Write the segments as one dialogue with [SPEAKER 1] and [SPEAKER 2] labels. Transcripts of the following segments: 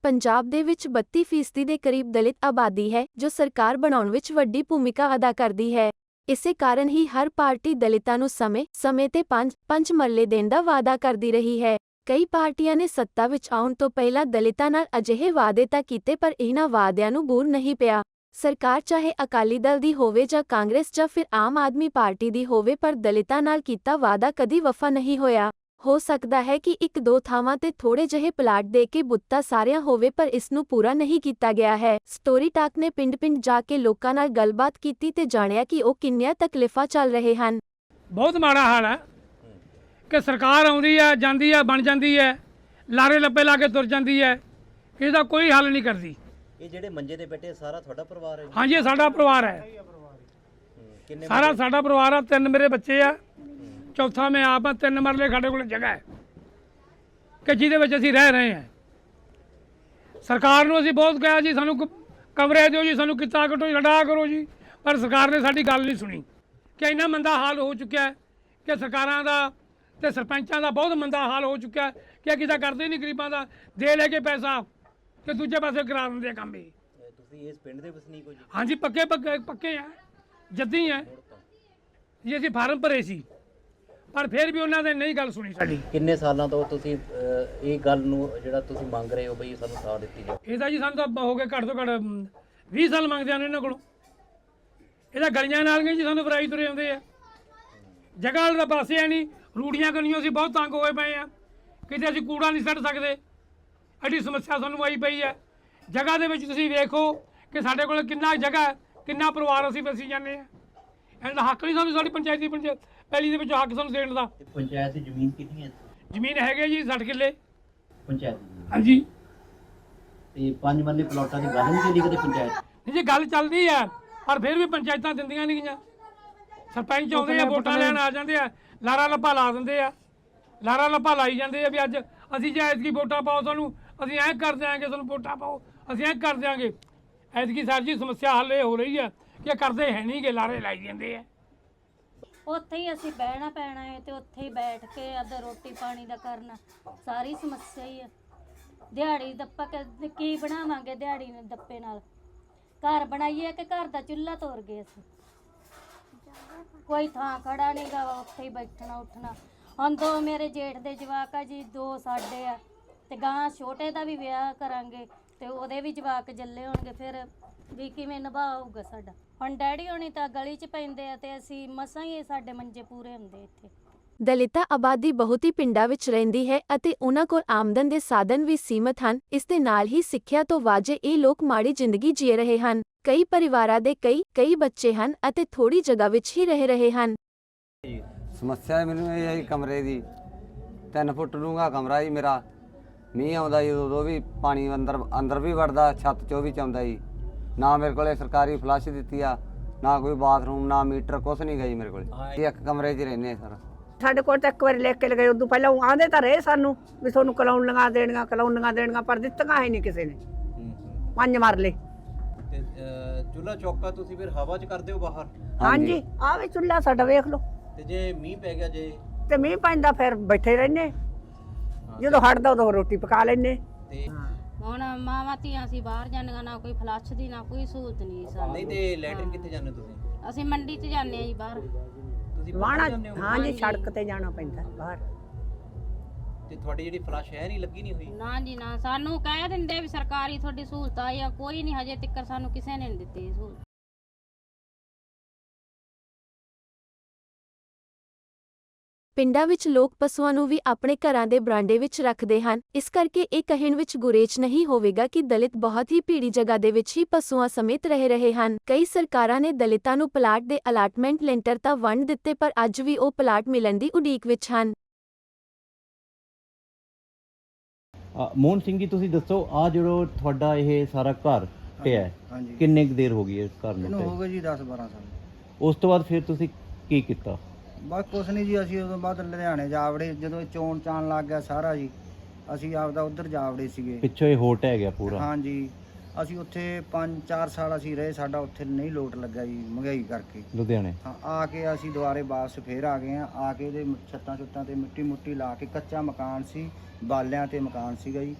[SPEAKER 1] ਪੰਜਾਬ ਦੇ ਵਿੱਚ 32% ਦੇ ਕਰੀਬ ਦਲਿਤ ਆਬਾਦੀ ਹੈ, ਜੋ ਸਰਕਾਰ ਬਣਾਉਣ ਵਿੱਚ ਵੱਡੀ ਭੂਮਿਕਾ ਅਦਾ ਕਰਦੀ ਹੈ। ਇਸੇ ਕਾਰਨ ਹੀ ਹਰ ਪਾਰਟੀ ਦਲਿਤਾਂ ਨੂੰ ਸਮੇਂ ਤੇ ਪੰਜ ਮਰਲੇ ਦੇਣ ਦਾ ਵਾਅਦਾ ਕਰਦੀ ਰਹੀ ਹੈ। ਕਈ ਪਾਰਟੀਆਂ ਨੇ ਸੱਤਾ ਵਿੱਚ ਆਉਣ ਤੋਂ ਪਹਿਲਾਂ ਦਲਿਤਾਂ ਨਾਲ ਅਜਿਹੇ ਵਾਅਦੇ ਤਾਂ ਕੀਤੇ, ਪਰ ਇਹਨਾਂ ਵਾਅਦਿਆਂ ਨੂੰ ਬੂਰ ਨਹੀਂ ਪਿਆ। ਸਰਕਾਰ ਚਾਹੇ ਅਕਾਲੀ ਦਲ ਦੀ ਹੋਵੇ ਜਾਂ ਕਾਂਗਰਸ ਜਾਂ ਫਿਰ ਆਮ ਆਦਮੀ ਪਾਰਟੀ ਦੀ ਹੋਵੇ, ਪਰ ਦਲਿਤਾਂ ਨਾਲ ਕੀਤਾ ਵਾਅਦਾ ਕਦੀ ਵਫਾ ਨਹੀਂ ਹੋਇਆ। ਹੋ ਸਕਦਾ ਹੈ ਕਿ ਇੱਕ ਦੋ ਥਾਵਾਂ ਤੇ ਥੋੜੇ ਜਿਹੇ ਪਲਾਟ ਦੇ ਕੇ ਬੁੱਤਾ ਸਾਰਿਆਂ ਹੋਵੇ, ਪਰ ਇਸ ਨੂੰ ਪੂਰਾ ਨਹੀਂ ਕੀਤਾ ਗਿਆ ਹੈ। ਸਟੋਰੀ ਟਾਕ ਨੇ ਪਿੰਡ-ਪਿੰਡ ਜਾ ਕੇ ਲੋਕਾਂ ਨਾਲ ਗੱਲਬਾਤ ਕੀਤੀ ਤੇ ਜਾਣਿਆ ਕਿ ਉਹ ਕਿੰਨੀਆਂ ਤਕਲੀਫਾਂ ਚੱਲ ਰਹੇ ਹਨ।
[SPEAKER 2] ਬਹੁਤ ਮਾੜਾ ਹਾਲ ਹੈ ਕਿ ਸਰਕਾਰ ਆਉਂਦੀ ਹੈ, ਜਾਂਦੀ ਹੈ, ਬਣ ਜਾਂਦੀ ਹੈ, ਲਾਰੇ ਲੱਪੇ ਲਾ ਕੇ ਤੁਰ ਜਾਂਦੀ ਹੈ, ਇਹਦਾ ਕੋਈ ਹੱਲ ਨਹੀਂ ਕਰਦੀ।
[SPEAKER 3] ਇਹ ਜਿਹੜੇ ਮੰਜੇ ਤੇ ਬੈਠੇ ਸਾਰਾ ਤੁਹਾਡਾ ਪਰਿਵਾਰ ਹੈ?
[SPEAKER 2] ਹਾਂਜੀ, ਸਾਡਾ ਪਰਿਵਾਰ ਹੈ, ਸਾਰਾ ਸਾਡਾ ਪਰਿਵਾਰ ਆ। 3 ਮੇਰੇ ਬੱਚੇ ਆ, ਚੌਥਾ ਮੈਂ ਆਪ ਆ। 3 ਮਰਲੇ ਸਾਡੇ ਕੋਲ ਜਗ੍ਹਾ ਹੈ ਕਿ ਜਿਹਦੇ ਵਿੱਚ ਅਸੀਂ ਰਹਿ ਰਹੇ ਹਾਂ। ਸਰਕਾਰ ਨੂੰ ਅਸੀਂ ਬਹੁਤ ਕਿਹਾ ਜੀ, ਸਾਨੂੰ ਕਮਰੇ ਦਿਓ ਜੀ, ਸਾਨੂੰ ਕਿੱਤਾ ਕੱਟੋ, ਲੜਾ ਕਰੋ ਜੀ, ਪਰ ਸਰਕਾਰ ਨੇ ਸਾਡੀ ਗੱਲ ਨਹੀਂ ਸੁਣੀ। ਕਿ ਇੰਨਾ ਮੰਦਾ ਹਾਲ ਹੋ ਚੁੱਕਿਆ ਕਿ ਸਰਕਾਰਾਂ ਦਾ ਤੇ ਸਰਪੰਚਾਂ ਦਾ ਬਹੁਤ ਮੰਦਾ ਹਾਲ ਹੋ ਚੁੱਕਿਆ ਕਿ ਕਿਤਾ ਕਰਦੇ ਨਹੀਂ, ਗਰੀਬਾਂ ਦਾ ਦੇ ਲੈ ਕੇ ਪੈਸਾ ਤੇ ਦੂਜੇ ਪਾਸੇ ਕਰਾ ਦਿੰਦੇ ਕੰਮ। ਇਹ
[SPEAKER 3] ਤੁਸੀਂ ਇਸ ਪਿੰਡ ਦੇ ਵਸਨੀਕ ਹੋ ਜੀ?
[SPEAKER 2] ਹਾਂਜੀ, ਪੱਕੇ ਆ, ਜੱਦੀ ਆ ਜੀ। ਅਸੀਂ ਫਾਰਮ ਭਰੇ ਸੀ, ਪਰ ਫਿਰ ਵੀ ਉਹਨਾਂ ਨੇ ਨਹੀਂ ਗੱਲ ਸੁਣੀ ਸਾਡੀ।
[SPEAKER 3] ਕਿੰਨੇ ਸਾਲਾਂ ਤੋਂ ਤੁਸੀਂ ਇਹ ਗੱਲ ਨੂੰ ਜਿਹੜਾ ਤੁਸੀਂ ਮੰਗ ਰਹੇ ਹੋ ਬਈ ਸਾਨੂੰ ਸਾਥ ਦਿੱਤੀ ਜਾਵੇ?
[SPEAKER 2] ਇਹਦਾ ਜੀ ਸਾਨੂੰ ਤਾਂ ਹੋ ਗਏ ਘੱਟ ਤੋਂ ਘੱਟ 20 ਸਾਲ ਮੰਗਦੇ ਆ ਇਹਨਾਂ ਕੋਲੋਂ। ਇਹਦਾ ਗਲੀਆਂ ਨਾਲੀਆਂ ਜੀ ਸਾਨੂੰ ਫਰਾਈ ਤੁਰੇ ਆਉਂਦੇ ਆ, ਜਗ੍ਹਾ ਦਾ ਪਾਸੇ ਹੈ ਨਹੀਂ, ਰੂੜੀਆਂ ਕਰਨੀਆਂ। ਅਸੀਂ ਬਹੁਤ ਤੰਗ ਹੋਏ ਪਏ ਆ, ਕਿਤੇ ਅਸੀਂ ਕੂੜਾ ਨਹੀਂ ਸੁੱਟ ਸਕਦੇ, ਐਡੀ ਸਮੱਸਿਆ ਸਾਨੂੰ ਆਈ ਪਈ ਹੈ। ਜਗ੍ਹਾ ਦੇ ਵਿੱਚ ਤੁਸੀਂ ਵੇਖੋ ਕਿ ਸਾਡੇ ਕੋਲ ਕਿੰਨਾ ਜਗ੍ਹਾ ਹੈ, ਕਿੰਨਾ ਪਰਿਵਾਰ ਅਸੀਂ ਵਸੀ ਜਾਂਦੇ ਆ। ਇਹਦਾ ਹੱਕ ਨਹੀਂ ਸਾਨੂੰ, ਸਾਡੀ ਪੰਚਾਇਤੀ ਪਹਿਲੀ ਦੇ ਵਿੱਚੋਂ ਹੱਕ ਸਾਨੂੰ ਦੇਣ ਦਾ।
[SPEAKER 3] ਪੰਚਾਇਤ ਦੀ ਜ਼ਮੀਨ ਕਿੰਨੀ ਹੈ?
[SPEAKER 2] ਜ਼ਮੀਨ ਹੈਗੇ ਜੀ 60 ਕਿੱਲੇ
[SPEAKER 3] ਪੰਚਾਇਤ?
[SPEAKER 2] ਹਾਂਜੀ।
[SPEAKER 3] ਤੇ 5 ਮਰਲੇ ਪਲਾਟਾਂ ਦੀ ਗੱਲ ਨਹੀਂ ਚੱਲੀ ਕਦੇ ਪੰਚਾਇਤ?
[SPEAKER 2] ਨਹੀਂ ਜੀ, ਗੱਲ ਚੱਲਦੀ ਹੈ, ਪਰ ਫਿਰ ਵੀ ਪੰਚਾਇਤਾਂ ਦਿੰਦੀਆਂ ਨਹੀਂ ਗਈਆਂ। ਸਰਪੰਚ ਆਉਂਦੇ ਆ, ਵੋਟਾਂ ਲੈਣ ਆ ਜਾਂਦੇ ਆ, ਲਾਰਾ ਲੱਪਾ ਲਾ ਦਿੰਦੇ ਆ, ਲਾਰਾ ਲੱਪਾ ਲਾਈ ਜਾਂਦੇ ਆ ਵੀ ਅੱਜ ਅਸੀਂ ਜੇ ਐਤਕੀ ਵੋਟਾਂ ਪਾਓ, ਸਾਨੂੰ ਅਸੀਂ ਐਂ ਕਰ ਦਿਆਂਗੇ, ਸਾਨੂੰ ਵੋਟਾਂ ਪਾਓ, ਅਸੀਂ ਐਂ ਕਰ ਦਿਆਂਗੇ। ਐਤਕੀ ਸਰ ਜੀ ਸਮੱਸਿਆ ਹੱਲ ਇਹ ਹੋ ਰਹੀ ਹੈ ਕਿ ਕਰਦੇ ਹੈ ਨਹੀਂ ਗੇ, ਲਾਰੇ ਲਾਈ ਜਾਂਦੇ ਆ।
[SPEAKER 4] ਉੱਥੇ ਹੀ ਅਸੀਂ ਬਹਿਣਾ ਪੈਣਾ ਹੈ ਤੇ ਉੱਥੇ ਹੀ ਬੈਠ ਕੇ ਅੱਧਾ ਰੋਟੀ ਪਾਣੀ ਦਾ ਕਰਨਾ, ਸਾਰੀ ਸਮੱਸਿਆ ਹੀ ਹੈ। ਦਿਹਾੜੀ ਦੱਪਾ ਕੀ ਬਣਾਵਾਂਗੇ? ਦਿਹਾੜੀ ਨੇ ਦੱਪੇ ਨਾਲ ਘਰ ਬਣਾਈਏ ਕਿ ਘਰ ਦਾ ਚੁੱਲ੍ਹਾ ਤੋੜ ਗਏ ਅਸੀਂ। ਕੋਈ ਥਾਂ ਖੜਾ ਨਹੀਂ ਗਾ, ਉੱਥੇ ਹੀ ਬੈਠਣਾ ਉੱਠਣਾ। ਹੁਣ 2 ਮੇਰੇ ਜੇਠ ਦੇ ਜਵਾਕ ਆ ਜੀ, 2 ਸਾਡੇ ਆ, ਤੇ ਗਾਂ ਛੋਟੇ ਦਾ ਵੀ ਵਿਆਹ ਕਰਾਂਗੇ ਤੇ ਉਹਦੇ ਵੀ ਜਵਾਕ ਜੱਲੇ ਹੋਣਗੇ, ਫਿਰ ਵੀ ਕਿਵੇਂ ਨਿਭਾਊਗਾ ਸਾਡਾ। ਹੁਣ ਡੈਡੀ ਹੋਣੀ ਤਾਂ ਗਲੀ 'ਚ ਪੈਂਦੇ ਆ ਤੇ ਅਸੀਂ ਮਸਾਂ ਹੀ ਸਾਡੇ ਮੰਜੇ ਪੂਰੇ ਹੁੰਦੇ ਇੱਥੇ।
[SPEAKER 1] ਦਲਿਤ ਆਬਾਦੀ ਬਹੁਤੀ ਪਿੰਡਾਂ ਵਿੱਚ ਰਹਿੰਦੀ ਹੈ ਅਤੇ ਉਹਨਾਂ ਕੋਲ ਆਮਦਨ ਦੇ ਸਾਧਨ ਵੀ ਸੀਮਤ ਹਨ। ਇਸ ਦੇ ਨਾਲ ਹੀ ਸਿੱਖਿਆ ਤੋਂ ਵਾਂਝੇ ਇਹ ਲੋਕ ਮਾੜੀ ਜ਼ਿੰਦਗੀ ਜੀ ਰਹੇ ਹਨ। ਕਈ ਪਰਿਵਾਰਾਂ ਦੇ ਕਈ ਬੱਚੇ ਹਨ ਅਤੇ ਥੋੜੀ ਜਗ੍ਹਾ ਵਿੱਚ ਹੀ ਰਹਿ ਰਹੇ ਹਨ।
[SPEAKER 5] ਸਮੱਸਿਆ ਮੈਨੂੰ ਇਹ ਹੈ ਕਮਰੇ ਦੀ। 3 ਫੁੱਟ ਡੂੰਘਾ ਕਮਰਾ ਜੀ ਮੇਰਾ। ਮੀਂਹ ਆਉਂਦਾ ਜੀ ਉਦੋਂ ਵੀ ਪਾਣੀ ਅੰਦਰ ਵੀ ਵੜਦਾ, ਛੱਤ 'ਚੋਂ ਵੀ ਆਉਂਦਾ ਜੀ। ਨਾ ਮੇਰੇ ਕੋਲੇ ਸਰਕਾਰੀ ਫਲੱਸ਼ ਦਿੱਤੀ ਆ, ਨਾ ਕੋਈ ਬਾਥਰੂਮ, ਨਾ ਮੀਟਰ, ਕੁਛ ਨਹੀਂ ਗਾ ਜੀ ਮੇਰੇ ਕੋਲੇ। ਇੱਕ ਕਮਰੇ 'ਚ ਰਹਿੰਦੇ ਸਰ।
[SPEAKER 6] ਸਾਡੇ ਕੋਲ ਤਾਂ ਇੱਕ ਵਾਰੀ ਲਿਖ ਕੇ ਲਗਾਏ, ਉਦੋਂ ਪਹਿਲਾਂ ਆਂਦੇ ਤਾਂ ਰਹੇ ਸਾਨੂੰ ਵੀ ਤੁਹਾਨੂੰ ਕਲੋਨੀਆਂ ਦੇਣੀਆਂ, ਪਰ ਦਿੱਤੀਆਂ ਹੀ ਨਹੀਂ ਕਿਸੇ ਨੇ। 5 ਮਰਲੇ
[SPEAKER 3] ਤੇ ਚੁੱਲ੍ਹਾ ਚੌਕਾ ਤੁਸੀਂ ਫਿਰ ਹਵਾ 'ਚ ਕਰਦੇ ਹੋ ਬਾਹਰ?
[SPEAKER 6] ਹਾਂਜੀ, ਆਹ ਵੀ ਚੁੱਲ੍ਹਾ ਸਾਡਾ ਵੇਖ ਲਓ।
[SPEAKER 3] ਤੇ ਜੇ ਮੀਂਹ ਪੈ ਗਿਆ, ਜੇ
[SPEAKER 6] ਤੇ ਮੀਂਹ ਪੈਂਦਾ ਫਿਰ ਬੈਠੇ ਰਹਿੰਦੇ, ਜਦੋਂ ਹਟਦਾ ਉਦੋਂ ਰੋਟੀ ਪਕਾ ਲੈਂਦੇ।
[SPEAKER 3] ਤੇ
[SPEAKER 4] ਹੁਣ ਮਾਵਾਂ ਧੀਆਂ ਅਸੀਂ ਬਾਹਰ ਜਾਂਦੀਆਂ, ਨਾ ਕੋਈ ਫਲੱਸ਼ ਦੀ ਨਾ ਕੋਈ ਸਹੂਲਤ ਨਹੀਂ ਸਾਨੂੰ।
[SPEAKER 3] ਨਹੀਂ ਤੇ ਲੈਟਰਿਨ ਕਿੱਥੇ ਜਾਂਦੇ ਤੁਸੀਂ?
[SPEAKER 4] ਅਸੀਂ ਮੰਡੀ 'ਚ ਜਾਂਦੇ ਆ ਜੀ ਬਾਹਰ।
[SPEAKER 3] ਤੁਸੀਂ
[SPEAKER 6] ਵਾਣਾ
[SPEAKER 3] ਜਾਂਦੇ ਹੋ?
[SPEAKER 6] ਹਾਂਜੀ, ਸੜਕ ਤੇ ਜਾਣਾ ਪੈਂਦਾ ਬਾਹਰ।
[SPEAKER 3] ਤੇ ਤੁਹਾਡੀ ਜਿਹੜੀ ਫਲੱਸ਼ ਹੈ ਨਹੀਂ ਲੱਗੀ ਨਹੀਂ ਹੋਈ?
[SPEAKER 4] ਨਾ ਜੀ ਨਾ, ਸਾਨੂੰ ਕਹਿ ਦਿੰਦੇ ਵੀ ਸਰਕਾਰੀ ਤੁਹਾਡੀ ਸਹੂਲਤ ਆਈ ਆ, ਕੋਈ ਨਹੀਂ ਹਜੇ ਤੱਕ ਸਾਨੂੰ ਕਿਸੇ ਨੇ ਨਹੀਂ ਦਿੱਤੀ ਸਹੂਲਤ।
[SPEAKER 1] ਪਿੰਡਾਂ ਵਿੱਚ ਲੋਕ ਪਸ਼ੂਆਂ ਨੂੰ ਵੀ ਆਪਣੇ ਘਰਾਂ ਦੇ ਬਰਾਂਡੇ ਵਿੱਚ ਰੱਖਦੇ ਹਨ। ਇਸ ਕਰਕੇ ਇਹ ਕਹਿਣ ਵਿੱਚ ਗੁਰੇਜ਼ ਨਹੀਂ ਹੋਵੇਗਾ ਕਿ ਦਲਿਤ ਬਹੁਤ ਹੀ ਭੀੜੀ ਜਗ੍ਹਾ ਦੇ ਵਿੱਚ ਹੀ ਪਸ਼ੂਆਂ ਸਮੇਤ ਰਹਿ ਰਹੇ ਹਨ। ਕਈ ਸਰਕਾਰਾਂ ਨੇ ਦਲਿਤਾਂ ਨੂੰ ਪਲਾਟ ਦੇ ਅਲਾਟਮੈਂਟ ਲੈਂਟਰ ਤਾਂ ਵੰਡ ਦਿੱਤੇ, ਪਰ ਅੱਜ ਵੀ ਉਹ ਪਲਾਟ ਮਿਲਣ ਦੀ ਉਡੀਕ ਵਿੱਚ ਹਨ।
[SPEAKER 3] ਮੋਹਨ ਸਿੰਘ ਜੀ, ਤੁਸੀਂ ਦੱਸੋ, ਆ ਜਿਹੜਾ ਤੁਹਾਡਾ ਇਹ ਸਾਰਾ ਘਰ ਪਿਆ ਕਿੰਨੇ ਕੁ ਦੇਰ ਹੋ ਗਈ ਇਸ ਘਰ ਨੂੰ?
[SPEAKER 7] ਹੋ ਗਏ ਜੀ 10-12 ਸਾਲ।
[SPEAKER 3] ਉਸ ਤੋਂ ਬਾਅਦ ਫਿਰ ਤੁਸੀਂ ਕੀ ਕੀਤਾ?
[SPEAKER 7] ਬਸ ਕੁਛ ਨਹੀਂ ਜੀ, ਅਸੀਂ ਉਦੋਂ ਬਾਅਦ ਲੁਧਿਆਣੇ ਜਾ ਵੜੇ। ਜਦੋਂ ਚੋਣ ਚਾਣ ਲੱਗ ਗਿਆ ਸਾਰਾ ਜੀ, ਅਸੀਂ ਆਪਦਾ ਉੱਧਰ ਜਾ ਵੜੇ ਸੀਗੇ।
[SPEAKER 3] ਪਿੱਛੋਂ ਇਹ ਹੋਟ ਹੈ ਗਿਆ ਪੂਰਾ?
[SPEAKER 7] ਹਾਂਜੀ, ਅਸੀਂ ਉੱਥੇ 5-4 ਸਾਲ ਅਸੀਂ ਰਹੇ, ਸਾਡਾ ਉੱਥੇ ਨਹੀਂ ਲੋਟ ਲੱਗਾ ਜੀ ਮਹਿੰਗਾਈ ਕਰਕੇ
[SPEAKER 3] ਲੁਧਿਆਣੇ।
[SPEAKER 7] ਹਾਂ, ਆ ਕੇ ਅਸੀਂ ਦੁਬਾਰੇ ਵਾਪਸ ਫੇਰ ਆ ਗਏ ਆ। ਆ ਕੇ ਇਹਦੇ ਛੱਤਾਂ ਛੁੱਤਾਂ ਤੇ ਮਿੱਟੀ ਮੁੱਟੀ ਲਾ ਕੇ, ਕੱਚਾ ਮਕਾਨ ਸੀ, ਬਾਲਿਆਂ ਤੇ ਮਕਾਨ ਸੀਗਾ ਜੀ।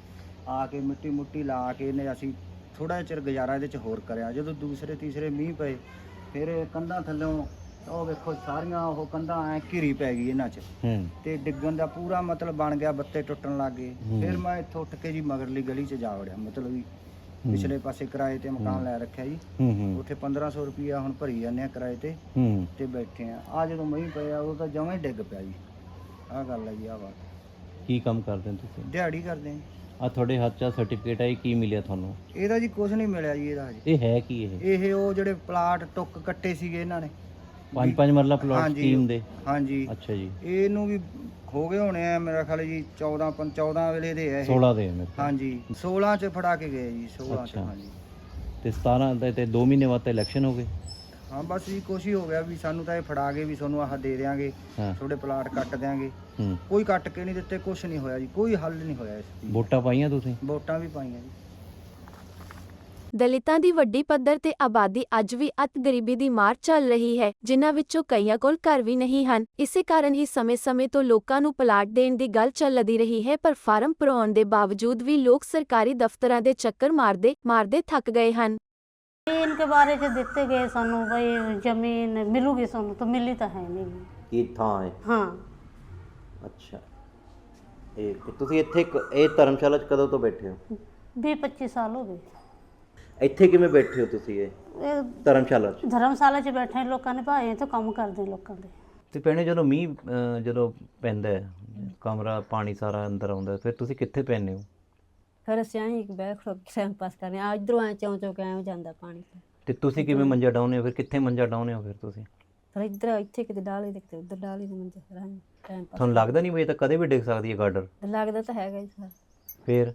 [SPEAKER 7] ਆ ਕੇ ਮਿੱਟੀ ਮੁੱਟੀ ਲਾ ਕੇ ਨੇ ਅਸੀਂ ਥੋੜਾ ਚਿਰ ਗੁਜ਼ਾਰਾ ਇਹਦੇ 'ਚ ਹੋਰ ਕਰਿਆ। ਜਦੋਂ ਦੂਸਰੇ ਤੀਸਰੇ ਮੀਂਹ ਪਏ ਫਿਰ ਇਹ ਕੰਧਾਂ ਥੱਲੋਂ ਉਹ ਵੇਖੋ ਸਾਰੀਆਂ ਉਹ ਕੰਧਾਂ ਐ ਘਿਰੀ ਪੈ ਗਈ ਇਹਨਾਂ 'ਚ ਤੇ ਡਿੱਗਣ ਦਾ ਪੂਰਾ ਮਤਲਬ ਬਣ ਗਿਆ, ਬੱਤੇ ਟੁੱਟਣ ਲੱਗ ਗਏ। ਫਿਰ ਮੈਂ ਇੱਥੋਂ ਉੱਠ ਕੇ ਜੀ ਮਗਰਲੀ ਗਲੀ 'ਚ ਜਾ ਵੜਿਆ, ਮਤਲਬ ਵੀ ਪਿਛਲੇ ਪਾਸੇ ਕਿਰਾਏ ਤੇ ਮਕਾਨ ਲੈ ਰੱਖਿਆ ਜੀ। ਉੱਥੇ 1500 ਰੁਪਈਆ ਹੁਣ ਭਰੀ ਜਾਂਦੇ ਆ ਕਿਰਾਏ ਤੇ ਬੈਠੇ ਆ ਜਦੋਂ ਮੀਂਹ ਪਿਆ ਉਹ ਤਾਂ ਜਮਾਂ ਹੀ ਡਿੱਗ ਪਿਆ ਜੀ। ਆਹ ਗੱਲ ਹੈ ਜੀ, ਆਹ ਬਾਤ।
[SPEAKER 3] ਕੀ ਕੰਮ ਕਰਦੇ ਹੋ ਤੁਸੀਂ?
[SPEAKER 7] ਦਿਹਾੜੀ ਕਰਦੇ ਆ।
[SPEAKER 3] ਆ ਤੁਹਾਡੇ ਹੱਥ 'ਚ ਸਰਟੀਫਿਕੇਟ ਹੈ, ਇਹ ਕੀ ਮਿਲਿਆ ਤੁਹਾਨੂੰ?
[SPEAKER 7] ਇਹਦਾ ਜੀ ਕੁਝ ਨਹੀਂ ਮਿਲਿਆ ਜੀ ਇਹਦਾ ਹਜੇ।
[SPEAKER 3] ਇਹ ਹੈ ਕੀ?
[SPEAKER 7] ਇਹ ਉਹ ਜਿਹੜੇ ਪਲਾਟ ਟੁੱਕ ਕੱਟੇ ਸੀਗੇ ਇਹਨਾਂ ਨੇ
[SPEAKER 3] 5 ਮਰਲਾ ਪਲਾਟ
[SPEAKER 7] ਹਾਂਜੀ।
[SPEAKER 3] ਸਕੀਮ ਦੇ?
[SPEAKER 7] ਹਾਂਜੀ।
[SPEAKER 3] ਅੱਛਾ ਜੀ।
[SPEAKER 7] ਇਹਨੂੰ ਵੀ ਹੋ ਗਏ ਹੋਣੇ ਆ ਮੇਰਾ ਖਿਆਲ ਜੀ 14 ਵੇਲੇ ਦੇ ਆ ਇਹ।
[SPEAKER 3] 16 ਦੇ ਮੇਰੇ ਕੋਲ।
[SPEAKER 7] ਹਾਂਜੀ 16 ਚ ਫੜਾ ਕੇ ਗਏ ਜੀ, 16 ਚ।
[SPEAKER 3] ਅੱਛਾ।
[SPEAKER 7] ਹਾਂਜੀ
[SPEAKER 3] ਤੇ 17 ਦੇ ਤੇ 2 ਮਹੀਨੇ ਬਾਅਦ ਤਾਂ ਇਲੈਕਸ਼ਨ ਹੋ ਗਏ।
[SPEAKER 7] ਹਾਂ ਬਸ ਜੀ ਕੁਛ ਹੀ ਹੋ ਗਿਆ ਵੀ ਸਾਨੂੰ ਤਾਂ ਇਹ ਫੜਾ ਕੇ ਵੀ ਤੁਹਾਨੂੰ ਆਹ ਦੇ ਦਿਆਂਗੇ,
[SPEAKER 3] ਹਾਂ।
[SPEAKER 7] ਤੁਹਾਡੇ ਪਲਾਟ ਕੱਟ ਦਿਆਂਗੇ। ਕੋਈ ਕੱਟ ਕੇ ਨਹੀਂ ਦਿੱਤੇ, ਕੁਛ ਨਹੀਂ ਹੋਇਆ ਜੀ, ਕੋਈ ਹੱਲ ਨਹੀਂ ਹੋਇਆ ਇਸ ਚੀਜ਼ ਦਾ।
[SPEAKER 3] ਵੋਟਾਂ ਪਾਈਆਂ ਤੁਸੀਂ?
[SPEAKER 7] ਵੋਟਾਂ ਵੀ ਪਾਈਆਂ ਜੀ।
[SPEAKER 1] ਦਲਿਤਾਂ ਦੀ ਵੱਡੀ ਪੱਧਰ ਤੇ ਆਬਾਦੀ ਅੱਜ ਵੀ ਅਤ ਗਰੀਬੀ ਦੀ ਮਾਰ ਚੱਲ ਰਹੀ ਹੈ, ਜਿਨ੍ਹਾਂ ਵਿੱਚੋਂ ਕਈਆਂ ਕੋਲ ਘਰ ਵੀ ਨਹੀਂ ਹਨ। ਇਸੇ ਕਾਰਨ ਹੀ ਸਮੇਂ-ਸਮੇਂ ਤੋਂ ਲੋਕਾਂ ਨੂੰ ਪਲਾਟ ਦੇਣ ਦੀ ਗੱਲ ਚੱਲਦੀ ਰਹੀ ਹੈ, ਪਰ ਫਾਰਮ ਭਰਾਉਣ ਦੇ ਬਾਵਜੂਦ ਵੀ ਲੋਕ ਸਰਕਾਰੀ ਦਫ਼ਤਰਾਂ ਦੇ ਚੱਕਰ ਮਾਰਦੇ ਥੱਕ ਗਏ ਹਨ।
[SPEAKER 4] इनके बारे च दिते गए सानू भाई जमीन मिलूगी सानू, तो मिली तो है नहीं।
[SPEAKER 3] ਕੀ ਥਾਂ ਹੈ?
[SPEAKER 4] हाँ
[SPEAKER 3] ਅੱਛਾ। ਇਹ ਤੁਸੀਂ ਇੱਥੇ ਇਹ ਧਰਮਸ਼ਾਲਾ 'ਚ ਕਦੋਂ ਤੋਂ ਬੈਠੇ ਹੋ?
[SPEAKER 4] 20-25 साल हो गए।
[SPEAKER 3] ਇੱਥੇ ਕਿਵੇਂ ਬੈਠੇ ਹੋ ਤੁਸੀਂ ਇਹ ਧਰਮਸ਼ਾਲਾ 'ਚ?
[SPEAKER 4] धर्मशाला च बैठे लोगों ने भाए तो काम करते लोगों के।
[SPEAKER 3] ਤੇ ਭੈਣੇ ਜਦੋਂ ਮੀਂਹ ਜਦੋਂ ਪੈਂਦਾ ਹੈ, ਕਮਰਾ ਪਾਣੀ ਸਾਰਾ ਅੰਦਰ ਆਉਂਦਾ, ਫਿਰ ਤੁਸੀਂ ਕਿੱਥੇ ਪੈਂਦੇ ਹੋ?
[SPEAKER 8] ਫਿਰ ਅਸੀਂ ਐਂ ਇੱਕ ਬੈਠ ਖੜੋ ਕੇ ਟਾਈਮ ਪਾਸ ਕਰਨੇ ਆ, ਇਧਰੋਂ ਐਂ ਚੌਂ ਕੇ ਐਂ ਜਾਂਦਾ ਪਾਣੀ।
[SPEAKER 3] ਤੇ ਤੁਸੀਂ ਕਿਵੇਂ ਮੰਜਾ ਡਾਉਂਦੇ ਹੋ ਫਿਰ? ਕਿੱਥੇ ਮੰਜਾ ਡਾਉਂਦੇ ਹੋ ਫਿਰ ਤੁਸੀਂ?
[SPEAKER 8] ਫਿਰ ਇੱਥੇ ਕਿਤੇ ਡਾਲੇ ਤੇ ਕਿਤੇ ਉੱਧਰ ਡਾਲੇ ਦੇ ਮੰਜੇ, ਫਿਰ ਐਂ ਟਾਈਮ ਪਾਸ।
[SPEAKER 3] ਤੁਹਾਨੂੰ ਲੱਗਦਾ ਨਹੀਂ ਵੀ ਇਹ ਤਾਂ ਕਦੇ ਵੀ ਡਿੱਗ ਸਕਦੀ ਹੈ ਗਾਡਰ?
[SPEAKER 8] ਲੱਗਦਾ ਤਾਂ ਹੈਗਾ ਜੀ ਸਰ।
[SPEAKER 3] ਫਿਰ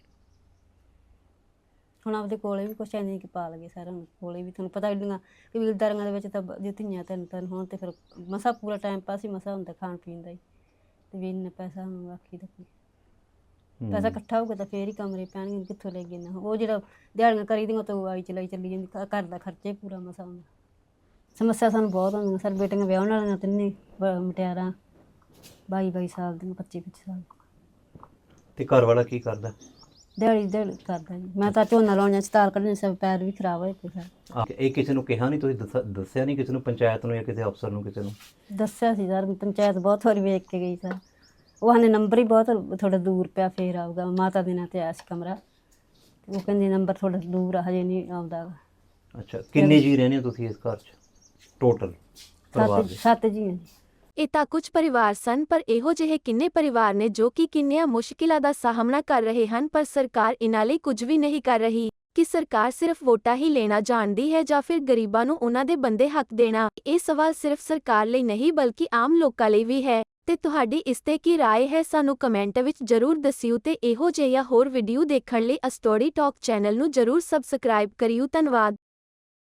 [SPEAKER 8] ਹੁਣ ਆਪਦੇ ਕੋਲੇ ਵੀ ਕੁਛ ਐਂ ਨਹੀਂ ਕਿ ਪਾ ਲਗੇ ਸਾਰਿਆਂ ਨੂੰ ਕੋਲੇ ਵੀ। ਤੁਹਾਨੂੰ ਪਤਾ ਇੰਨੀਆਂ ਕਬੀਲਦਾਰੀਆਂ ਦੇ ਵਿੱਚ ਤਾਂ ਜੇ ਧੀਆਂ ਤਿੰਨ ਹੋਣ ਤੇ ਫਿਰ ਮਸਾ ਪੂਰਾ ਟਾਈਮ ਪਾਸ ਹੀ ਮਸਾ ਹੁੰਦਾ ਖਾਣ ਪੀਣ ਦਾ ਹੀ। ਤੇ ਵੀ ਇੰਨਾ ਪੈਸਾ ਹੁਣ ਆਖੀ ਦਾ ਪੈਸਾ ਇਕੱਠਾ ਹੋਊਗਾ ਤਾਂ ਫੇਰ ਹੀ ਕਮਰੇ ਪੈਣਗੇ, ਕਿੱਥੋਂ ਲੈ ਗਏ ਨਾ। ਉਹ ਜਿਹੜਾ ਦਿਹਾੜੀਆਂ ਕਰੀ ਦੀਆਂ ਤਾਂ ਆਈ ਚਲਾਈ ਚੱਲੀ ਜਾਂਦੀ, ਘਰ ਦਾ ਖਰਚਾ ਹੀ ਪੂਰਾ ਮਸਾ ਹੁੰਦਾ। ਸਮੱਸਿਆ ਸਾਨੂੰ ਬਹੁਤ ਹੁੰਦੀਆਂ ਸਰ। ਬੇਟੀਆਂ ਵਿਆਹਣ ਵਾਲੀਆਂ ਤਿੰਨੇ ਮੁਟਿਆਰਾਂ 22 ਸਾਲ ਦੀਆਂ, 25 ਸਾਲ।
[SPEAKER 3] ਤੇ ਘਰ ਵਾਲਾ ਕੀ ਕਰਦਾ?
[SPEAKER 8] ਦਿਹਾੜੀ ਕਰਦਾ ਜੀ। ਮੈਂ ਤਾਂ ਝੋਨਾ ਲਾਉਣ ਸਤਾਲ ਕੱਢਣੇ, ਸਭ ਪੈਰ ਵੀ ਖਰਾਬ ਹੋਏ ਪਏ ਸਰ।
[SPEAKER 3] ਇਹ ਕਿਸੇ ਨੂੰ ਕਿਹਾ ਨਹੀਂ ਤੁਸੀਂ? ਦੱਸਿਆ ਨਹੀਂ ਕਿਸੇ ਨੂੰ, ਪੰਚਾਇਤ ਨੂੰ ਜਾਂ ਕਿਸੇ ਅਫਸਰ ਨੂੰ, ਕਿਸੇ ਨੂੰ?
[SPEAKER 8] ਦੱਸਿਆ ਸੀ ਸਰ, ਪੰਚਾਇਤ ਬਹੁਤ ਵਾਰੀ ਵੇਖ ਕੇ ਗਈ ਸਰ। ਉਹ ਨੇ ਨੰਬਰ ਹੀ ਬਹੁਤ ਥੋੜਾ ਦੂਰ ਪਿਆ, ਫੇਰ ਆਊਗਾ। ਮਾਤਾ ਦੇ ਨਾਂ ਤੇ ਆਇਆ ਸੀ ਕਮਰਾ, ਉਹ ਕਹਿੰਦੀ ਨੰਬਰ ਥੋੜਾ ਦੂਰ ਆ, ਹਜੇ ਨਹੀਂ ਆਉਂਦਾ।
[SPEAKER 3] ਅੱਛਾ। ਕਿੰਨੇ ਜੀ ਰਹਿੰਦੇ ਹੋ ਤੁਸੀਂ ਇਸ ਘਰ 'ਚ ਟੋਟਲ ਪਰਿਵਾਰ ਦੇ?
[SPEAKER 8] 7 ਜੀ ਹਾਂ ਜੀ।
[SPEAKER 1] ਇਹ ਤਾਂ ਕੁਝ ਪਰਿਵਾਰ ਸਨ, ਪਰ ਇਹੋ ਜਿਹੇ ਕਿੰਨੇ ਪਰਿਵਾਰ ਨੇ ਜੋ ਕਿ ਕਿੰਨੀਆਂ ਮੁਸ਼ਕਿਲਾਂ ਦਾ ਸਾਹਮਣਾ ਕਰ ਰਹੇ ਹਨ, ਪਰ ਸਰਕਾਰ ਇਹਨਾਂ ਲਈ ਕੁਝ ਵੀ ਨਹੀਂ ਕਰ ਰਹੀ। ਕਿ ਸਰਕਾਰ ਸਿਰਫ ਵੋਟਾਂ ਹੀ ਲੈਣਾ ਜਾਣਦੀ ਹੈ ਜਾਂ ਫਿਰ ਗਰੀਬਾਂ ਨੂੰ ਉਹਨਾਂ ਦੇ ਬੰਦੇ ਹੱਕ ਦੇਣਾ? ਇਹ ਸਵਾਲ ਸਿਰਫ ਸਰਕਾਰ ਲਈ ਨਹੀਂ ਬਲਕਿ ਆਮ ਲੋਕਾਂ ਲਈ ਵੀ ਹੈ। ਤੇ ਤੁਹਾਡੀ ਇਸ ਤੇ ਕੀ ਰਾਏ ਹੈ, ਸਾਨੂੰ ਕਮੈਂਟ ਵਿੱਚ ਜ਼ਰੂਰ ਦੱਸਿਓ। ਤੇ ਇਹੋ ਜਿਹੀਆਂ ਹੋਰ ਵੀਡੀਓ ਦੇਖਣ ਲਈ ਸਟੋਰੀ ਟਾਕ ਚੈਨਲ ਨੂੰ ਜ਼ਰੂਰ ਸਬਸਕ੍ਰਾਈਬ ਕਰਿਓ। ਧੰਨਵਾਦ।